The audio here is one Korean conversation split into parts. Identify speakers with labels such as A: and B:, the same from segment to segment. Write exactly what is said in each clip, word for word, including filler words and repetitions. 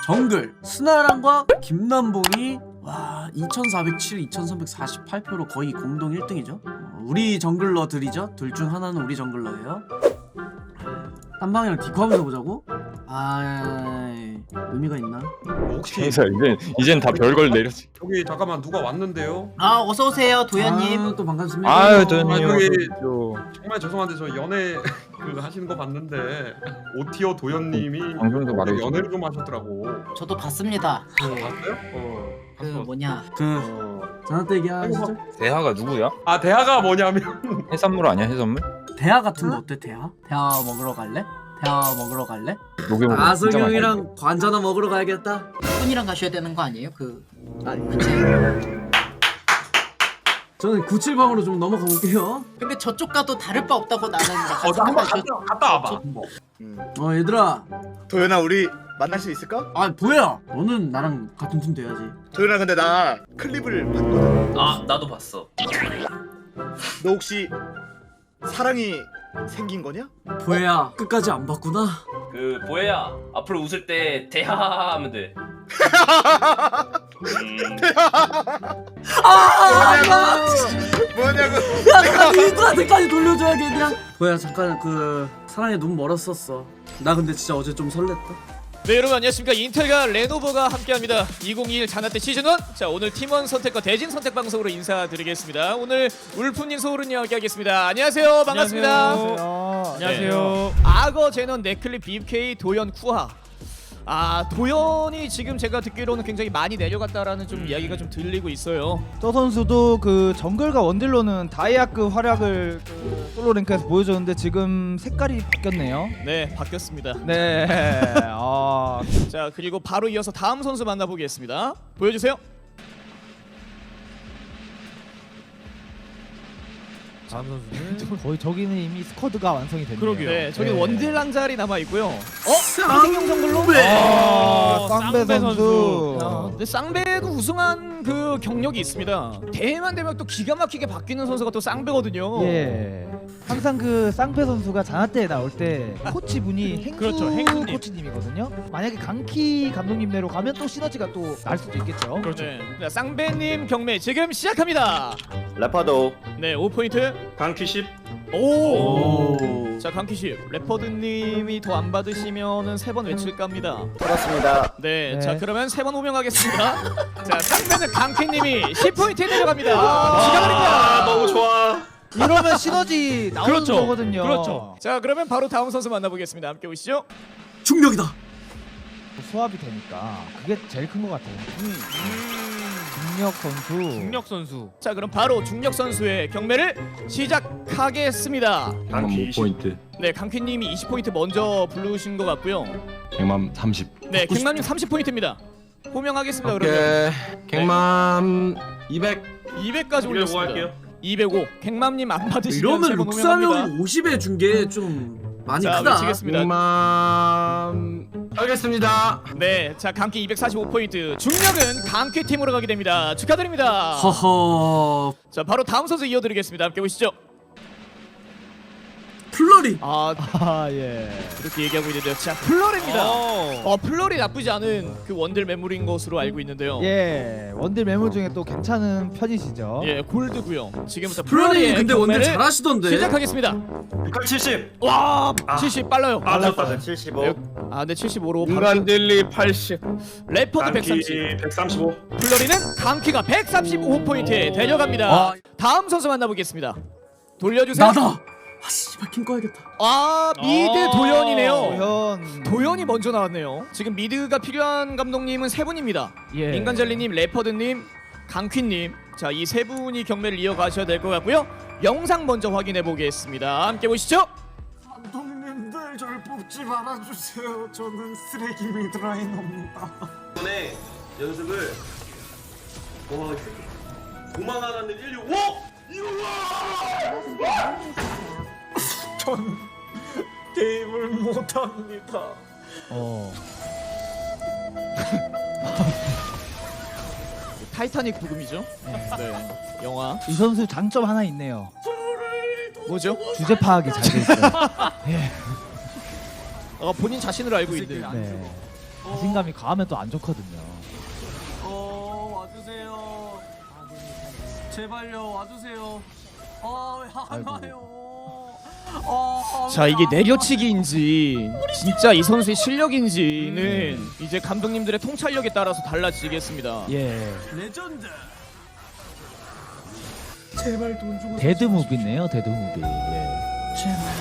A: 정글 스나랑과 김남봉이 와 이천사백칠, 이천삼백사십팔 표로 거의 공동 일 등이죠. 어, 우리 정글러들이죠. 둘 중 하나는 우리 정글러예요. 딴방이랑 디코하면서 보자고? 아 의미가 있나?
B: 혹시
C: 그래서 이제 이젠 다 별걸 내렸지.
B: 여기 잠깐만 누가 왔는데요?
D: 아 어서 오세요 도현님.
A: 아, 또 반갑습니다.
C: 아유
B: 아,
C: 도현님.
B: 저기
C: 또
B: 정말 죄송한데 저 연애 그 하시는 거 봤는데 오티어 도현님이
C: 방송에서 말해.
B: 연애를 좀 하셨더라고.
D: 저도 봤습니다. 그,
B: 봤어요? 어.
D: 그 뭐냐
A: 그
B: 어.
A: 전화대기 하시죠?
C: 대하가 누구야?
B: 아 대화가 뭐냐면
C: 해산물 아니야 해산물?
A: 대하 같은 거 어때? 대하? 대하 먹으러 갈래? 대하 먹으러 갈래?
C: 녹여먹어.
A: 아성형이랑 관자나 먹으러 가야겠다.
D: 분이랑 가셔야 되는 거 아니에요? 그
A: 아,
D: 그치?
A: 저는 구칠방으로 좀 넘어가 볼게요.
D: 근데 저쪽 가도 다를 바 없다고 나는 약간
B: 어, 나 한번
D: 생각을
B: 갔다, 갔다 와봐. 한번.
A: 어 얘들아,
E: 도현아 우리 만날 수 있을까?
A: 아 보야, 너는 나랑 같은 팀 돼야지.
E: 도현아 근데 나 클립을 봤거든.
F: 아 나도 봤어.
E: 너 혹시 사랑이 생긴 거냐?
A: 보야, 끝까지 안 봤구나.
F: 그 보혜야 앞으로 웃을 때 대하 하면 돼. 음,
A: 아,
E: 뭐냐고 뭐냐고.
A: 야, 나 니들한테까지 돌려줘야겠냐? 보야, 잠깐 그 사랑에 눈 멀었었어. 나 근데 진짜 어제 좀 설렜다.
G: 네 여러분 안녕하십니까. 인텔과 레노버가 함께합니다. 이천이십일 자나때 시즌 일. 자 오늘 팀원 선택과 대진 선택 방송으로 인사드리겠습니다. 오늘 울프님 소울은 이야기하겠습니다. 안녕하세요. 반갑습니다.
H: 안녕하세요.
G: 네. 악어 제넌 네클립 비케이 도연 쿠하. 아 도연이 지금 제가 듣기로는 굉장히 많이 내려갔다라는 좀 이야기가 좀 들리고 있어요.
H: 저 선수도 그 정글과 원딜로는 다이아급 활약을 그 솔로 랭크에서 보여줬는데 지금 색깔이 바뀌었네요.
G: 네 바뀌었습니다.
H: 네. 아,
G: 자 그리고 바로 이어서 다음 선수 만나보겠습니다. 보여주세요.
H: 다음 선수는 거의 저기는 이미 스쿼드가 완성이 됐네요.
G: 그러게요. 네 저기
H: 네.
G: 원딜 한 자리 남아 있고요. 어?
A: 쌍
G: 정글로?
H: 아,
G: 어,
H: 쌍배 선수.
G: 야, 근데 쌍배도 우승한 그 경력이 있습니다. 대회만 되면 또 기가 막히게 바뀌는 선수가 또 쌍배거든요.
H: 예. 항상 그 쌍배 선수가 자나때에 나올 때 코치 분이 행수
G: 그렇죠, 행수님.
H: 코치님이거든요. 만약에 강키 감독님대로 가면 또 시너지가 또 날 수도 있겠죠.
G: 그렇죠. 네. 자, 쌍배님 경매 지금 시작합니다.
F: 라파도
G: 네, 오 포인트.
F: 강키십.
G: 오. 자, 강키십. 레퍼드님이 더 안 받으시면은 세 번 외칠까 합니다.
F: 반갑습니다.
G: 네,
H: 네.
G: 자 그러면 세 번 호명하겠습니다. 자, 쌍배는 강키님이 십 포인트에 내려갑니다. 축하드립니다.
F: 너무 좋아.
H: 이러면 시너지 나오는
G: 그렇죠.
H: 거거든요.
G: 그렇죠. 자, 그러면 바로 다음 선수 만나보겠습니다. 함께 오시죠.
A: 중력이다.
H: 수합이 되니까 그게 제일 큰 것 같아요.
G: 음.
H: 중력 선수.
G: 선수. 자, 그럼 바로 중력 선수의 경매를 시작하겠습니다.
I: 백만 오 포인트,
G: 네, 강키님이 이십 포인트 먼저 부르신 것 같고요.
I: 백만 삼십.
G: 네, 갱맘님 삼십 포인트입니다. 호명하겠습니다. 그러면
I: 갱만 이백.
G: 이백까지 올렸습니다. 이백오. 갱맘님 안 받으시면
A: 이러면
G: 세번 호명합니다.
A: 룩사명이 오십에 준 게 좀 많이
G: 자,
A: 크다.
G: 외치겠습니다.
I: 백만 알겠습니다.
G: 네, 자 강키 이백사십오 포인트. 중력은 강키 팀으로 가게 됩니다. 축하드립니다.
A: 허허.
G: 자, 바로 다음 선수 이어드리겠습니다. 함께 보시죠.
A: 플러리.
G: 아,
H: 아 예.
G: 이렇게 얘기하고 있는데요. 자, 플러리입니다. 어, 플러리 나쁘지 않은 그 원딜 매물인 것으로 알고 있는데요.
H: 예. 원딜 매물 중에 또 괜찮은 편이시죠.
G: 예, 골드고요. 지금부터
A: 플러리
G: 플러리의
A: 근데 원딜
G: 경매를
A: 잘하시던데.
G: 시작하겠습니다.
F: 칠십.
G: 와, 칠십 빨라요.
F: 아 좋다. 칠십오.
G: 아, 근데 칠십오로 바로
C: 인간 딜리 팔십.
G: 레퍼드 백삼십.
F: 백삼십오.
G: 플러리는 강키가 백삼십오 포인트에 데려갑니다.
A: 아.
G: 다음 선수 만나보겠습니다. 돌려주세요.
A: 나다. 아 씨발 킹 꺼야겠다.
G: 아, 미드 도연이네요.
H: 도현.
G: 도연이 먼저 나왔네요. 지금 미드가 필요한 감독님은 세 분입니다.
H: 예.
G: 인간젤리님, 레퍼드님, 강퀴님. 자, 이 세 분이 경매를 이어가셔야 될 것 같고요. 영상 먼저 확인해 보겠습니다. 함께 보시죠.
A: 감독님들 저를 뽑지 말아주세요. 저는 쓰레기 미드라이너입니다.
F: 이번에 연습을 와 도망가는 일육오.
A: 전 게임을 못합니다.
H: 어.
G: 타이타닉 부금이죠. 네, 영화.
H: 이 선수 장점 하나 있네요.
G: 뭐죠?
H: 주제 파악이 잘 돼 있어요. 예.
G: 어, 본인 자신을 알고 있는.
H: 네. 자신감이 과하면 또 안 좋거든요.
A: 어 와주세요. 제발요 와주세요. 어안 와요. 어,
G: 자 이게 내려치기인지 진짜 이 선수의 실력인지는 이제 감독님들의 통찰력에 따라서 달라지겠습니다.
H: 예.
A: 레전드. 제발 돈 주고.
H: 데드 무비네요, 데드 무비. 예.
A: 제발.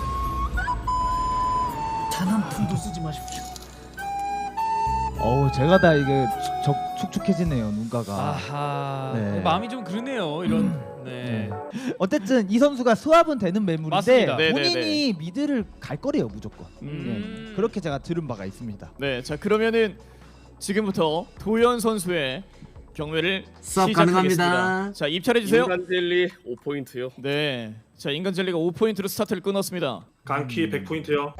A: 단 한 푼도 쓰지 마십시오.
H: 어우, 제가 다 이게 축, 축축해지네요, 눈가가.
G: 아하
H: 네.
G: 마음이 좀 그러네요 이런. 네.
H: 어쨌든 이 선수가 수합은 되는 매물인데
G: 맞습니다. 네,
H: 본인이
G: 네,
H: 미드를 갈 거래요, 무조건.
G: 음.
H: 예. 그렇게 제가 들은 바가 있습니다.
G: 네, 자 그러면은 지금부터 도현 선수의 경매를
A: 수업
G: 시작하겠습니다.
A: 가능합니다.
G: 자 입찰해 주세요.
J: 인간 젤리 오 포인트요.
G: 네, 자 인간 젤리가 오 포인트로 스타트를 끊었습니다.
J: 강키 백 포인트요.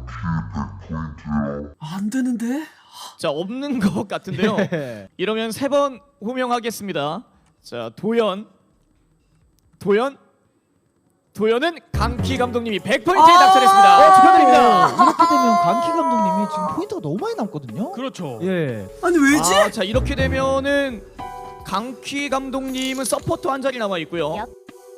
A: 안 되는데?
G: 자 없는 것 같은데요. 이러면 세 번 호명하겠습니다. 자 도현, 도현, 도현은 강키 감독님이 백 포인트에 낙찰했습니다.
H: 어,
G: 축하드립니다.
H: 이렇게 되면 강키 감독님이 지금 포인트가 너무 많이 남거든요.
G: 그렇죠.
H: 예.
A: 아니 왜지?
G: 아, 자 이렇게 되면은 강키 감독님은 서포트 한 자리 남아 있고요.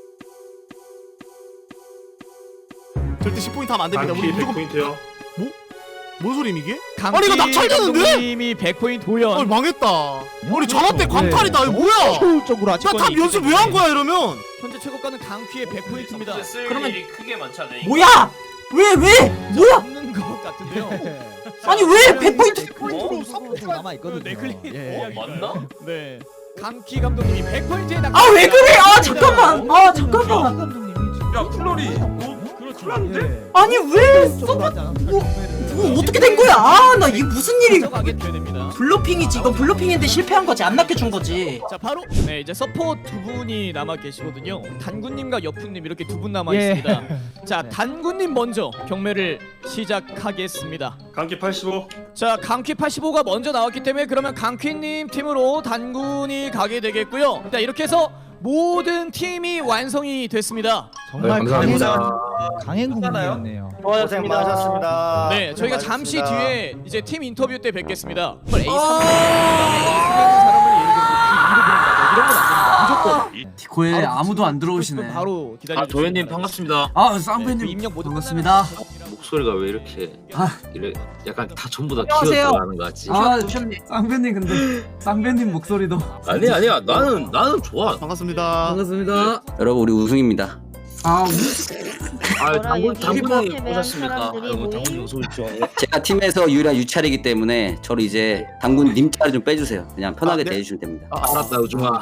E: 절대 십 포인트 하면 안 됩니다.
J: 강키
E: 우리
J: 백
E: 무조건
J: 포인트요.
E: 뭔 소리임 이게?
G: 강키
E: 아니, 이거 낙찰되는데?
G: 감독님이 백 포인트 도현.
E: 아니 망했다. 아니 전화 때
H: 네.
E: 광탈이다. 이거 뭐야?
H: 효율적으로 아직
E: 나 탑 연습 왜 한 거야 이러면?
G: 현재 최고가는 강키의 백 포인트입니다.
F: 쓸
D: 그러면-
F: 일이 크게 많지 않아요?
D: 뭐야? 왜 왜? 뭐야?
G: 없는 것 같은데요.
D: 아니 왜 백 포인트?
H: 포인트로 좀 남아 있거든요.
G: 네, 클릭.
H: 예.
F: 어, 맞나?
G: 네. 강키 감독님이 백 포인트에 낙찰.
D: 아 왜 그래? 아 잠깐만. 아 잠깐만.
H: 강키 감독님이 지금
B: 야 플로리.
H: 예.
D: 아니 왜?
H: 효율적으로 하지 않았을까, 경매를.
D: 이거 어떻게 된 거야? 아 나 이게 무슨 일이?
G: 가게 됩니다.
D: 블로핑이지. 이거 블로핑인데 실패한 거지. 안 낚여준 거지.
G: 자 바로 네 이제 서포트 두 분이 남아 계시거든요. 단군님과 여푼님 이렇게 두 분 남아
H: 예.
G: 있습니다. 자
H: 네.
G: 단군님 먼저 경매를 시작하겠습니다.
J: 강키 팔십오.
G: 자 강퀴 팔십오가 먼저 나왔기 때문에 그러면 강퀴님 팀으로 단군이 가게 되겠고요. 자 이렇게 해서 모든 팀이 완성이 됐습니다.
H: 정말
I: 네,
H: 강행
I: 감사합니다.
H: 강행 국민이었네요.
E: 고생 많으셨습니다.
G: 네 저희가 잠시 뒤에 이제 팀 인터뷰 때 뵙겠습니다. A 삼
D: 아.
G: 사람을 예를 들어서 이런 건 안 됩니다. 무조건
A: 디코에
G: 바로
A: 아무도 안 들어오시네.
G: 바로 기다려.
K: 아 도현님 반갑습니다.
A: 아
G: 네,
A: 쌍배님
G: 그 입력 모두
A: 반갑습니다.
K: 목소리가 왜 이렇게
A: 아.
K: 이래 약간 다 전부 다
D: 안녕하세요.
K: 키워들어가는 것 같지?
A: 아 쌍배님 근데 쌍배님 목소리도
K: 아니 아니야 나는 나는 좋아.
E: 반갑습니다.
A: 반갑습니다.
K: 여러분 우리 우승입니다.
A: 아
K: 아 당군
L: 여기
K: 당군이
L: 일본
K: 오셨습니까?
L: 사람들이
K: 아이고
L: 모임?
K: 당군이 어서 오십시오. 제가 팀에서 유일한 유찰이기 때문에 저를 이제 당군 님 자리 좀 빼주세요. 그냥 편하게
E: 아, 네.
K: 대해주시면 됩니다. 아, 알았다 우중아.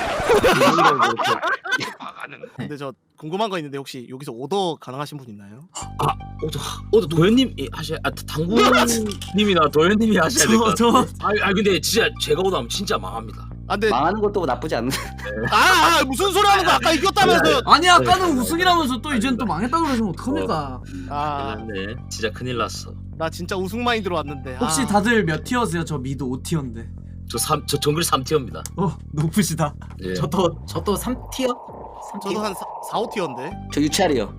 E: 근데 저 궁금한 거 있는데 혹시 여기서 오더 가능하신 분 있나요?
K: 어저 어저 도현님 하셔 아 당군님이나 도현님이 하셔야 될 것
A: 저
K: 같아.
A: 저
K: 아, 아 근데 진짜 제가 오다면 진짜 망합니다.
E: 아 근데
K: 망하는 것도 나쁘지 않은데.
E: 아, 아 무슨 소리 하는 거야? 아까 이겼다면서.
A: 아니 아까는 우승이라면서 또 이젠 또 망했다 그러시면 어떡합니까?
E: 아,
K: 네 진짜 큰일 났어.
E: 나 진짜 우승 마인드로 왔는데.
A: 혹시
E: 아.
A: 다들 몇 티어세요? 저 미드 오 티어인데.
K: 저 삼 저 정글 삼 티어입니다.
A: 어 높으시다.
K: 예.
A: 저도
D: 저도 삼 티어? 삼
E: 저도
D: 티어?
E: 한 사, 오 티어인데.
K: 저 유찰이요.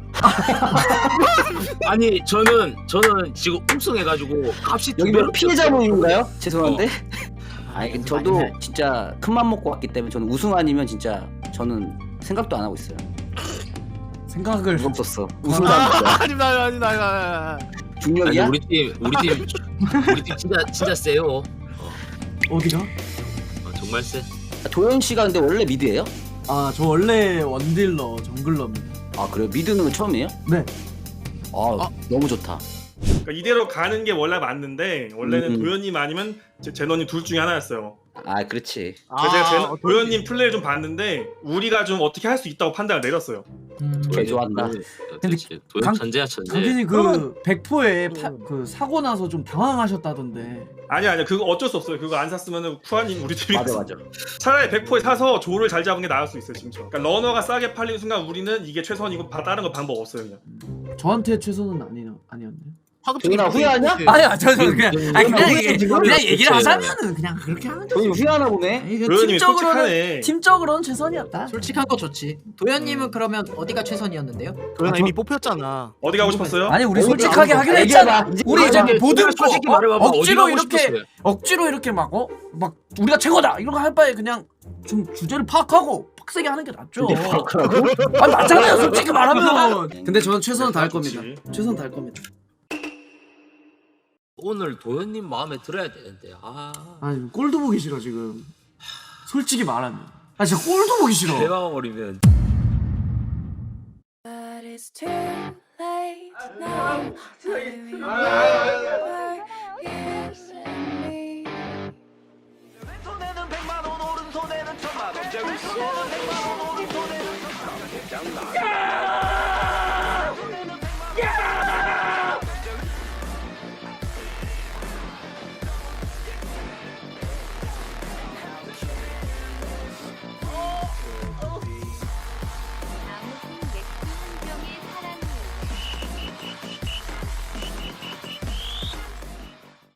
K: 아니 저는 저는 지금 우승해가지고 값이 여기 몇 피해자 모임인가요? 죄송한데. 아니 저도 진짜 큰 맘 먹고 왔기 때문에 저는 우승 아니면 진짜 저는 생각도 안 하고 있어요.
A: 생각을
K: 무섭었어.
E: 우승 아, 아니다 아니다 아니다 아니다.
K: 중력이야? 우리 팀 우리 팀 우리 팀 진짜 진짜 세요.
A: 어디가?
K: 어, 정말 세. 도현 씨가 근데 원래 미드예요?
A: 아 저 원래 원딜러 정글러입니다.
K: 아 그래요? 미드는 처음이에요?
A: 네.
K: 아,
E: 아.
K: 너무 좋다.
J: 그러니까 이대로 가는 게 원래 맞는데 원래는
K: 음.
J: 도현님 아니면 제- 제너님 둘 중에 하나였어요.
K: 아 그렇지.
J: 그래서 제가
E: 아,
J: 제, 도현님 플레이를 좀 봤는데 우리가 좀 어떻게 할 수 있다고 판단을 내렸어요.
K: 개 좋아한다.
A: 근데
K: 도현
A: 강-
K: 천재야 천재.
A: 강진이 그 백포에 파, 그 사고 나서 좀 당황하셨다던데.
J: 아니 아니야 그거 어쩔 수 없어요. 그거 안 샀으면 쿠아님 우리 팀이
K: 맞아 맞아.
J: 차라리 백포에 사서 조를 잘 잡은 게 나을 수 있어요 지금처럼. 그러니까 러너가 싸게 팔리는 순간 우리는 이게 최선이고 바- 다른 거 방법 없어요 그냥.
A: 저한테 최선은 아니 아니었네요.
E: 파급적인
K: 도현아, 후회하냐?
E: 포인트.
A: 아니야 저 저 그냥 아니 그냥
K: 우리
A: 얘기,
K: 지금
A: 그냥 얘기를
K: 그치.
A: 하자면은 그냥 그렇게 하면 되지.
K: 도현이 후회하나 보네.
A: 이거
J: 도현님이
A: 팀적으로는
J: 솔직하네.
A: 팀적으로는 최선이었다.
D: 솔직한 거 좋지. 도현님은 그러면 어디가 최선이었는데요?
E: 도현아 이미 뽑혔잖아.
J: 어디 가고 싶었어요?
A: 아니 우리
K: 어디
A: 솔직하게
K: 가고
A: 하기로
K: 싶어?
A: 했잖아.
K: 얘기해봐. 이제
A: 우리 이제
K: 얘기해봐.
A: 보듬고
K: 솔직히
A: 어?
K: 말해봐봐. 어디
A: 억지로
K: 가고
A: 이렇게
K: 싶었어요?
A: 억지로 이렇게 막 어? 막 우리가 최고다 이런 거 할 바에 그냥 좀 주제를 파악하고 빡세게 하는 게 낫죠. 아 맞잖아요 솔직히 말하면. 근데 저는 최선을 다할 겁니다. 최선 다할 겁니다.
F: 오늘 도현님 마음에 들어야 되는데 아
A: 아니 꼴도 보기 싫어 지금. 솔직히 말하면. 아 진짜 꼴도 보기 싫어.
F: 대박버리면
L: But it's too late now. I remember you and me.
M: 왼손에는 백만 원 오른손에는 천만 원 제 윗손은 백만 원 오른손에는 천만 원